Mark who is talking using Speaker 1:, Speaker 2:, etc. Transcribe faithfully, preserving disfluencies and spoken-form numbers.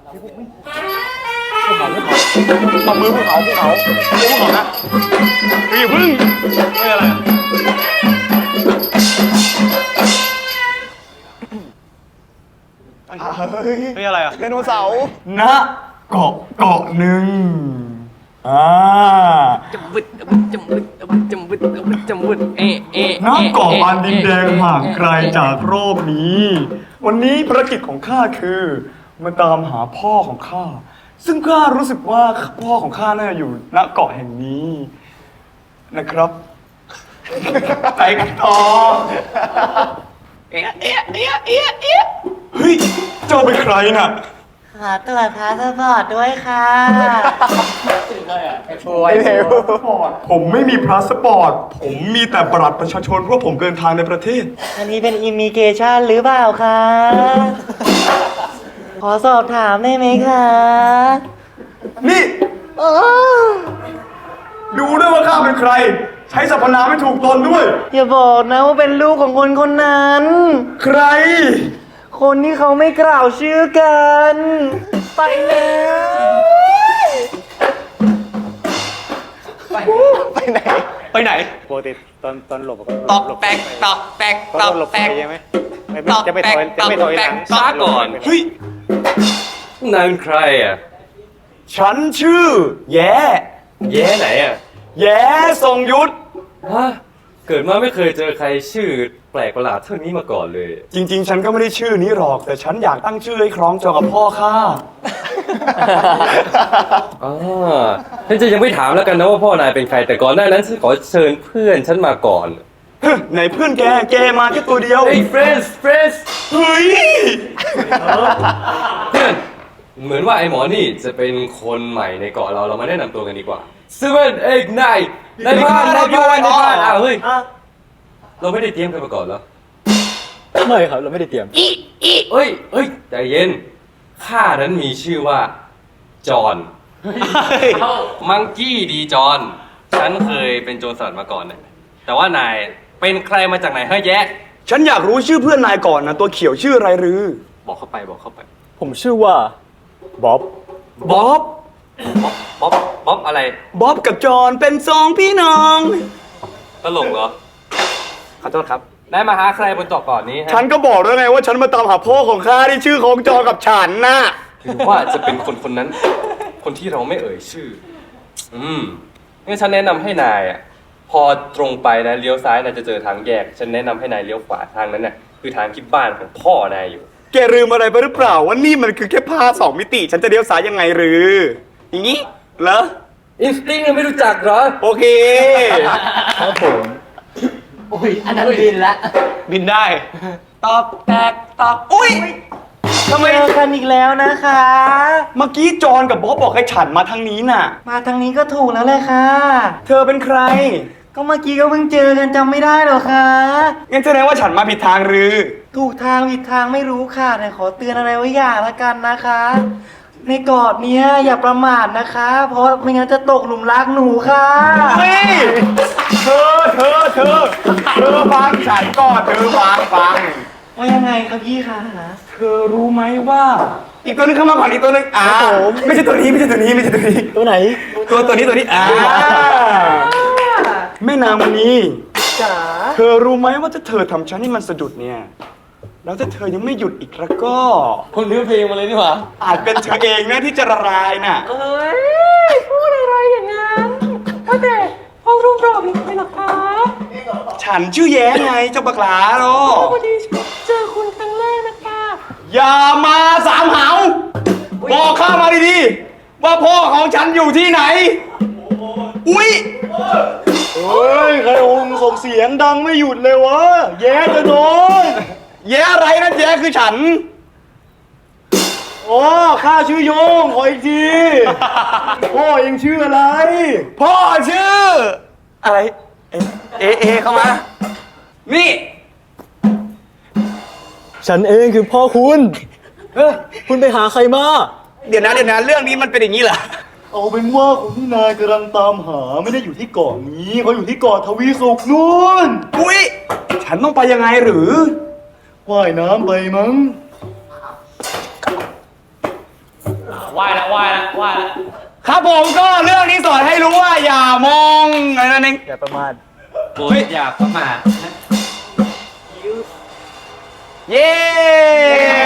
Speaker 1: ภูเขาภูเขาตบมือภูเขาภูเขาภูเขานะอย่าพึ่งไม่อะไรเฮ้ยอะไรอ่ะไดโนเสาร์ณเกาะเกาะหนึ่งอ่า
Speaker 2: จำบึดจำบึดจำบึดจำบึดจำบึดจำบึดเอะเอะ
Speaker 1: ณเกาะอันดินแดงห่างไกลจากโลกนี้ วันนี้ภารกิจของข้าคือมาตามหาพ่อของข้าซึ่งข้ารู้สึกว่าพ่อของข้าน่าจะอยู่ณเกาะแห่งนี้นะครับไปกันต่อเอ๊ะเอ๊ะเอ๊ะเอ๊ะเอ๊ะเฮ้ยเจ้าเป็นใครน่ะ
Speaker 3: ขอตรวจพาสปอร์ตด้วยค่ะ
Speaker 1: ไอ้เทวผมไม่มีพาสปอร์ตผมมีแต่บัตรประชาชนเพราะผมเดินทางในประเทศ
Speaker 3: อันนี้เป็นอิมิเกชันหรือเปล่าคะขอสอบถามได้ไหมคะ
Speaker 1: นี่ดูด้วยว่าข้าเป็นใครใช้สรรพนามไม่ถูกตนด้วย
Speaker 3: อย่าบอกนะว่าเป็นลูกของคนคนนั้น
Speaker 1: ใคร
Speaker 3: คนที่เขาไม่กล่าวชื่อกันไปแล้ว
Speaker 1: ไปไปไหนไปไหน
Speaker 4: ปกติตอนตอนหลบก็
Speaker 2: ตอกแตกตอกแตกตอกแตก
Speaker 4: ใช่ไหมจะไม่ถอยจะไม่ถอยหลัง
Speaker 2: ช้าก่อน
Speaker 1: เฮ้ย
Speaker 2: นายเป็นใครอ่ะ
Speaker 1: ฉันชื่อแย่
Speaker 2: แย่ไหนอ่ะ
Speaker 1: แย่ทรงยุทธ
Speaker 2: ฮะเกิดมาไม่เคยเจอใครชื่อแปลกประหลาดเท่านี้มาก่อนเลย
Speaker 1: จริงๆฉันก็ไม่ได้ชื่อนี้หรอกแต่ฉันอยากตั้งชื่อให้คล้องจองกับพ่อข้า
Speaker 2: อ่าฉันจะยังไม่ถามแล้วกันนะว่าพ่อนายเป็นใครแต่ก่อนหน้านั้นฉันขอเชิญเพื่อนฉันมาก่อน
Speaker 1: ไหนเพื่อนแกแกมาแค่ตัวเดียว
Speaker 2: เฮ้ย friends friends
Speaker 1: เฮ้ย
Speaker 2: เพื่อนเหมือนว่าไอ้หมอนี่จะเป็นคนใหม่ในเกาะเราเรามาแนะนำตัวกันดีกว่า seven eight nine ในบ้านในบ้านในบ้านอ้าวเฮ้ยเราไม่ได้เตรียมกันมาก่อนเหรอ
Speaker 4: ไม่ครับเราไม่ได้เตรียม
Speaker 2: อีอีเอ้ยเอ้ยใจเย็นข้านั้นมีชื่อว่าจอห์นมังกี้ดีจอห์นฉันเคยเป็นโจรสลัดมาก่อนเนี่ยแต่ว่านายเป็นใครมาจากไหนเฮ้ยแยะ
Speaker 1: ฉันอยากรู้ชื่อเพื่อนนายก่อนนะตัวเขียวชื่ออะไรหรือ
Speaker 2: บอกเข้าไปบอกเข้าไป
Speaker 4: ผมชื่อว่าบ๊อบ
Speaker 1: บ๊อบ
Speaker 2: บ๊อบบ๊อบอะไร
Speaker 1: บ๊อบกับจอห์นเป็นสองพี่น้อง
Speaker 2: ตลกเหรอ
Speaker 1: ขอโทษครับ
Speaker 2: นายมาหาใครบนเกาะก่อนนี้ฮะ
Speaker 1: ฉันก็บอกแล้วไงว่าฉันมาตามหาพ่อของข้าที่ชื่อของจอห์นกับฉันน่ะ
Speaker 2: หรือว่าจะเป็นคนคนนั้นคนที่เราไม่เอ่ยชื่ออืมงั้นฉันแนะนำให้นายอ่ะพอตรงไปนะเลี้ยวซ้ายนายจะเจอทางแยกฉันแนะนำให้นายเลี้ยวขวาทางนั้นน่ะคือทางที่บ้านของพ่อนายอยู่
Speaker 1: แกลืมอะไรไปหรือเปล่าว่านี่มันคือแค่ผ้าสองมิติฉันจะเลี้ยวซ้ายยังไงหรืออย่างนี้เหรอ
Speaker 2: อินสติ้งยังไม่รู้จักเหรอ
Speaker 1: โอเค
Speaker 4: ครับผม
Speaker 3: โอ้ยอันนั้นบินละ
Speaker 1: บินได้
Speaker 2: ตอกแตกตอก
Speaker 1: อุ้ย
Speaker 3: ทำไมเจอกันอีกแล้วนะคะ
Speaker 1: เมื่อกี้จอห์นกับบ๊อบบอกให้ฉันมาทางนี้น่ะ
Speaker 3: มาทางนี้ก็ถูกแล้วเลยค่ะ
Speaker 1: เธอเป็นใคร
Speaker 3: ก็เมื่อกี้ก็เพิ่งเจอกันจำไม่ได้หรอคะ
Speaker 1: งั้นแสดงว่าฉันมาผิดทางหรือ
Speaker 3: ถูกทางผิดทางไม่รู้ค่ะแต่ขอเตือนอะไรไว้อย่างละกันนะคะในเกาะเนี้ยอย่าประมาทนะคะเพราะไม่งั้นจะตกหลุมรักหนูค่ะ
Speaker 1: เฮ้ยเธอเธอเธอเธอฟังฉันก่อนเธอฟังฟัง
Speaker 3: ว่ายังไงครับพี่คะ
Speaker 1: เธอรู้ไหมว่าอีกตัวนึงเข้ามาก่อนอีกตัวนึงอ่าไม่ใช่ตัวนี้ไม่ใช่ตัวนี้ไม่ใช่ตัวนี้
Speaker 4: ตัวไหน
Speaker 1: ตัวตัวนี้ตัวนี้อ่าแม่นางมณี
Speaker 3: จ๋า
Speaker 1: เธอรู้ไหมว่าถ้าเธอทำฉันให้มันสะดุดเนี่ยแล้วถ้าเธอยังไม่หยุดอีกแล้วก็
Speaker 4: คนเลือกเพลงมาเลยนี่หว่า
Speaker 1: อาจเป็นเธอเองนะที่จะละลายน่ะ
Speaker 3: เอ้ยพูดอะไรอย่างนั้นว่าแต่พ่อรุ่งโรจน์มีใครหรอคะ
Speaker 1: ฉันชื่อแย้ไงเจ้าบักหลาโร
Speaker 3: พอดีเจอคุณครั้งแรกนะคะ
Speaker 1: อย่ามาสามเหาบอกข้ามาดีๆว่าพ่อของฉันอยู่ที่ไหนอุ้ย
Speaker 4: เฮ้ยใครองค์ส่งเสียงดังไม่หยุดเลยวะแย่จะโดน
Speaker 1: แย่อะไรนะแย่คือฉัน
Speaker 4: โอ้ข้าชื่อโยงขออีกทีพ่อเองชื่ออะไร
Speaker 1: พ่อชื่ออะไรเอเอเอเข้ามานี่
Speaker 4: ฉันเองคือพ่อคุณเฮ้ยคุณไปหาใครมา
Speaker 1: เดี๋ยวนะเดี๋ยวนะเรื่องนี้มันเป็นอย่างนี้เหรอ
Speaker 4: เอาเป็นว่าคนที่นายกำลังตามหาไม่ได้อยู่ที่เกาะนี้เขาอยู่ที่เกาะทวีสุขนู่น
Speaker 1: อุ้ยฉันต้องไปยังไงหรือ
Speaker 4: ว่ายน้ำไปมั้ง
Speaker 5: ไหว้ละไหว้ละไหว้ละ
Speaker 1: ครับผมก็เรื่องนี้สอนให้รู้ว่าอย่ามองอะไรนั่นเอง
Speaker 3: อย่าประมาท
Speaker 5: โปรดอย่าประมาทนะ
Speaker 1: เย้